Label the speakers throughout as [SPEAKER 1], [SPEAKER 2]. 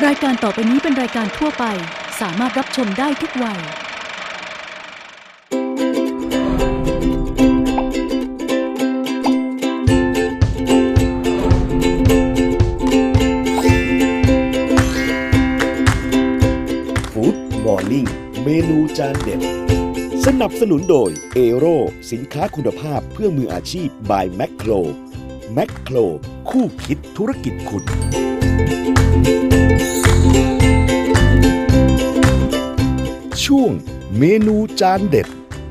[SPEAKER 1] รายการต่อไปนี้เป็นรายการทั่วไปสามารถรับชมได้ทุกวัย
[SPEAKER 2] ฟู้ดมอร์นิ่งเมนูจานเด็ดสนับสนุนโดยเอโรสินค้าคุณภาพเพื่อมืออาชีพ by แมคโครแมคโครคู่คิดธุรกิจคุณช่วงเมนูจานเด็ด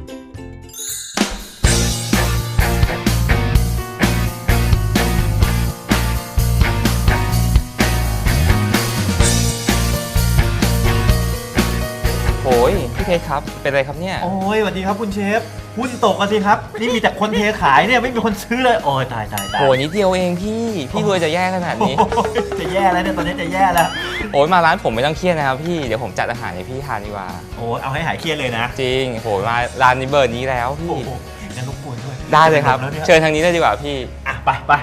[SPEAKER 3] โอ้ยพี่เพชรครับเป็นไรครับเนี่ย
[SPEAKER 4] โอ้ยสวัสดีครับคุณเชฟหุ้นตกกันสิครับนี่มีแต่คนเทขายเนี่ยไม่มีคนซื้อเลยโอ้ยตาย
[SPEAKER 3] โอ้ยนิดเดียวเองพี่รวยจะแย่ขนาดนี้
[SPEAKER 4] จะแย่แล้วเนี่ยตอนนี้จะแย่แล้ว
[SPEAKER 3] โอ้ยมาร้านผมไม่ต้องเครียดนะครับพี่เดี๋ยวผมจัดอาหารให้พี่ทานดีกว่า
[SPEAKER 4] โอ้ยเอาให้หายเครียดเลยนะ
[SPEAKER 3] จริงโอ้ยมาร้านนี้เบอร์นี้แล้วพี่
[SPEAKER 4] งั้นรบกวนด้วย
[SPEAKER 3] ได้เลยครับเชิญทางนี้ได้ดีกว่าพี่
[SPEAKER 4] อ่ะไป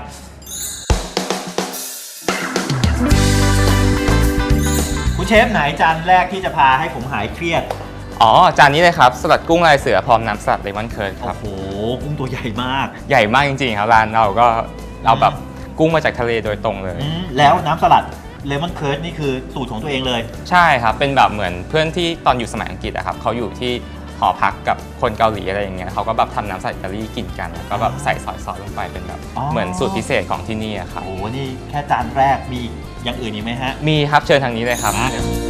[SPEAKER 4] คุณเชฟไหนจานแรกที่จะพาให้ผมหายเครียด
[SPEAKER 3] อ๋อจานนี้เลยครับสลัดกุ้งลายเสือพร้อมน้ำสลัดเลมอนเคิร์ดครับ
[SPEAKER 4] โอ้โหกุ้งตัวใหญ่มาก
[SPEAKER 3] ใหญ่มากจริงๆครับร้านเราก็เอาแบบกุ้งมาจากทะเลโดยตรงเลย
[SPEAKER 4] แล้วน้ำสลัดเลมอนเคิร์ดนี่คือสูตรของตัวเองเลย
[SPEAKER 3] ใช่ครับเป็นแบบเหมือนเพื่อนที่ตอนอยู่สมัยอังกฤษอะครับเขาอยู่ที่หอพักกับคนเกาหลีอะไรอย่างเงี้ยเขาก็แบบทำน้ำสลัดอิตาลีกินกันแล้วก็แบบใส่ซอสลงไปเป็นแบบเหมือนสูตรพิเศษของที่นี่อะครับ
[SPEAKER 4] โอ้โหนี่แค่จานแรกมีอย่างอื่นอีกไหมฮะ
[SPEAKER 3] มีครับเชิญทางนี้เลยครับ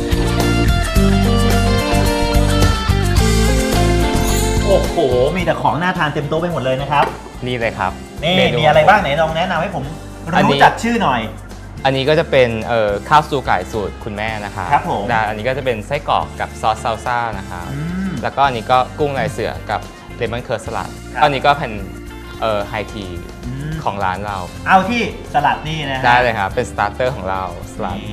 [SPEAKER 4] โอ้โหมีแต่ของน่าทานเต็มโต๊ะไปหมดเลยนะครับ
[SPEAKER 3] นี่เลยครับ
[SPEAKER 4] นี่มีอะไรบ้างไหนลองแนะนำให้ผมรู้จักชื่อหน่อย
[SPEAKER 3] อันนี้ก็จะเป็นข้าวสตูไก่สูตรคุณแม่นะคะ
[SPEAKER 4] ครับผม
[SPEAKER 3] อันนี้ก็จะเป็นไส้กรอกกับซอสซาลซ่านะคะแล้วก็อันนี้ก็กุ้งลายเสือกับเลมอนเคิร์ดสลัดอันนี้ก็เป็นไฮทีของร้านเรา
[SPEAKER 4] เอาที่สลัดนี่นะ
[SPEAKER 3] ได้เลยครับเป็นสตาร์เตอร์ของเราสลัด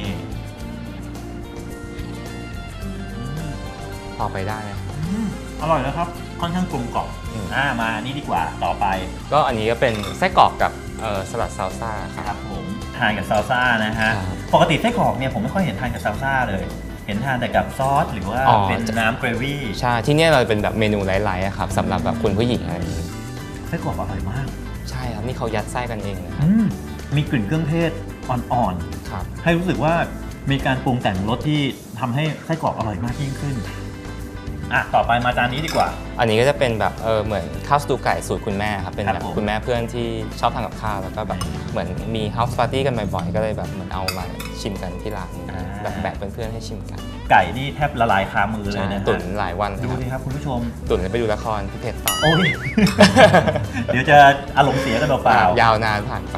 [SPEAKER 3] พอไปได้ไหม
[SPEAKER 4] อร่อยแล้วครับค่อนข้างกลมกล่อมมานี่ดีกว่าต่อไป
[SPEAKER 3] ก็อันนี้ก็เป็นไส้กรอกกับสลัดซาลซ่า
[SPEAKER 4] ครับผมทานกับซาลซ่านะฮะปกติไส้กรอกเนี่ยผมไม่ค่อยเห็นทานกับซาลซ่าเลยเห็นทานแต่กับซอสหรือว่าเป็นน้ำเกรวี่
[SPEAKER 3] ใช่ที่นี่เราเป็นแบบเมนูไลท์ๆครับสำหรับแบบคุณผู้หญิงอะไรอย่างนี้
[SPEAKER 4] ไส้กรอกอร่อยมาก
[SPEAKER 3] ใช่ครับนี่เขายัดไส้กันเองนะครับ
[SPEAKER 4] มีกลิ่นเครื่องเทศอ่อนๆ
[SPEAKER 3] ครับ
[SPEAKER 4] ให้รู้สึกว่ามีการปรุงแต่งรสที่ทำให้ไส้กรอกอร่อยมากยิ่งขึ้นต่อไปมาจานนี้ดีกว่า
[SPEAKER 3] อันนี้ก็จะเป็นแบบเหมือนข้าวสตูไก่สูตรคุณแม่ครับเป็นแบบคุณแม่เพื่อนที่ชอบทำกับข้าวแล้วก็แบบเหมือนมีเฮาส์ปาร์ตี้กันบ่อยๆก็เลยแบบเหมือนเอามาชิมกันที่ร้านแบบแบกเพื่อนๆให้ชิมกัน
[SPEAKER 4] ไก่นี่แทบละลายคามือเลยนะ
[SPEAKER 3] ตุ๋นหลายวัน
[SPEAKER 4] ดูสิครับคุณผู้ชม
[SPEAKER 3] ตุ๋นไปดูละครพี่เพชรต่อ
[SPEAKER 4] โอ้ยเดี๋ยวจะอารมณ์เสียกันเปล่า
[SPEAKER 3] ยาวนานผ่านไป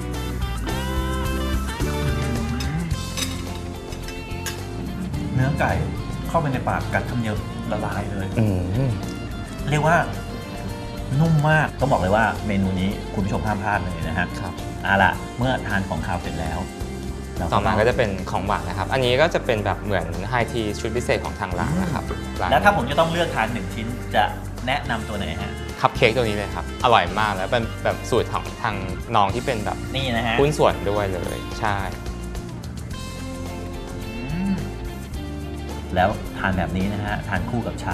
[SPEAKER 4] เนื้อไก่เข้าไปในปากกัดคำเดียวละลายเลยเรียกว่านุ่มมากต้องบอกเลยว่าเมนูนี้คุณผู้ชมห้ามพลาดเลยนะฮะ
[SPEAKER 3] ครับ
[SPEAKER 4] ล่ะเมื่อทานของคาวเสร็จแล้ว
[SPEAKER 3] ต่อมาก็จะเป็นของหวานนะครับอันนี้ก็จะเป็นแบบเหมือนไฮทีชุดพิเศษของทางร้านนะครับ
[SPEAKER 4] แล้วถ้าผมจะต้องเลือกทาน1ชิ้นจะแนะนำตัวไหนฮะ
[SPEAKER 3] คัพเค้กตัวนี้เลยครับอร่อยมากแล้วเป็นแบบสูตรของทางน้องที่เป็นแบบ
[SPEAKER 4] นี่นะฮะ
[SPEAKER 3] หุ้นส่วนด้วยเลยใช่
[SPEAKER 4] แล้วทานแบบนี้นะฮะทานคู่กับชา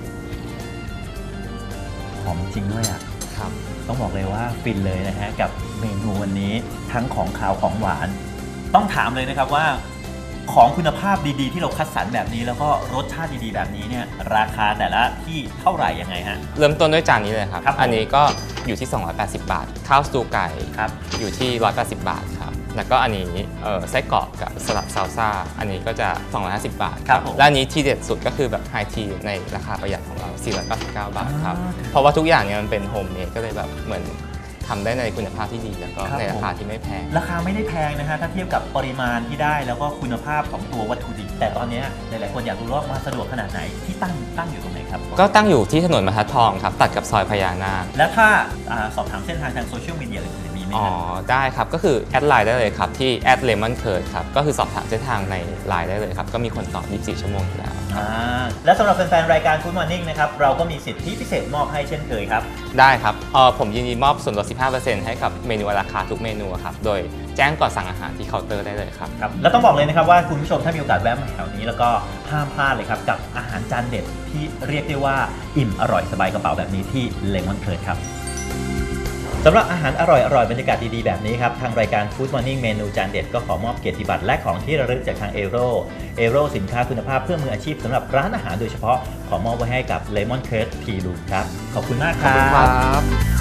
[SPEAKER 4] หอมจริงด้วย
[SPEAKER 3] ครับ
[SPEAKER 4] ต้องบอกเลยว่าฟินเลยนะฮะกับเมนูวันนี้ทั้งของคาวของหวานต้องถามเลยนะครับว่าของคุณภาพดีๆที่เราคัดสรรแบบนี้แล้วก็รสชาติดีๆแบบนี้เนี่ยราคาแต่ละที่เท่าไหร่ยังไงฮะ
[SPEAKER 3] เริ่มต้นด้วยจานนี้เลยครับอันนี้ก็อยู่ที่280 บาทข้าวสตูไก่อยู่ที่180 บาทครับแล้วก็อันนี้ไส้กรอกกับสลัดซาลซ่าอันนี้ก็จะ250 บาทครับและอันนี้ที่เด็ดสุดก็คือแบบไฮทีในราคาประหยัดของเรา499 บาทครับเพราะว่าทุกอย่างเนี่ยมันเป็นโฮมเมดก็เลยแบบเหมือนทำได้ในคุณภาพที่ดีแล้วก็ในราคาที่ไม่แพง
[SPEAKER 4] ราคาไม่ได้แพงนะฮะถ้าเทียบกับปริมาณที่ได้แล้วก็คุณภาพของตัววัตถุดิบแต่ตอนนี้หลายๆคนอยากรู้ว่ามาสะดวกขนาดไหนที่ตั้งอยู่ตรงไหนครับ
[SPEAKER 3] ก็ตั้งอยู่ที่ถนนบรรทัดทองครับตัดกับซอยพญานาค
[SPEAKER 4] แล้วถ้าสอบถามเส้นทางทางโซเชียลมีเดียอื่นมีไหม
[SPEAKER 3] ได้ครับก็คือแอดไลน์ได้เลยครับที่@lemoncurdครับก็คือสอบถามเส้นทางในไลน์ได้เลยครับก็มีคนตอบ24 ชั่วโมงอยู่แล้ว
[SPEAKER 4] และสำหรับแฟนๆรายการ Food Morning นะครับเราก็มีสิทธิพิเศษมอบให้เช่นเคยครับ
[SPEAKER 3] ได้ครับผมยินดีมอบส่วนลด 15% ให้กับเมนูราคาทุกเมนูครับโดยแจ้งก่อนสั่งอาหารที่เคาน์เตอร์ได้เลยครับ
[SPEAKER 4] ครับแล้วต้องบอกเลยนะครับว่าคุณผู้ชมถ้ามีโอกาสแวะมาแถวนี้แล้วก็ห้ามพลาดเลยครับกับอาหารจานเด็ดที่เรียกได้ว่าอิ่มอร่อยสบายกระเป๋าแบบนี้ที่เลมอนเคิร์ดครับสำหรับอาหารอร่อยบรรยากาศดีๆแบบนี้ครับทางรายการ Food Morning เมนูจานเด็ดก็ขอมอบเกียรติบัตรและของที่ระลึกจากทางเอโรสินค้าคุณภาพเพื่อมืออาชีพสำหรับร้านอาหารโดยเฉพาะขอมอบไว้ให้กับ Lemon Curd Tea Room ครับขอบคุณมากครับ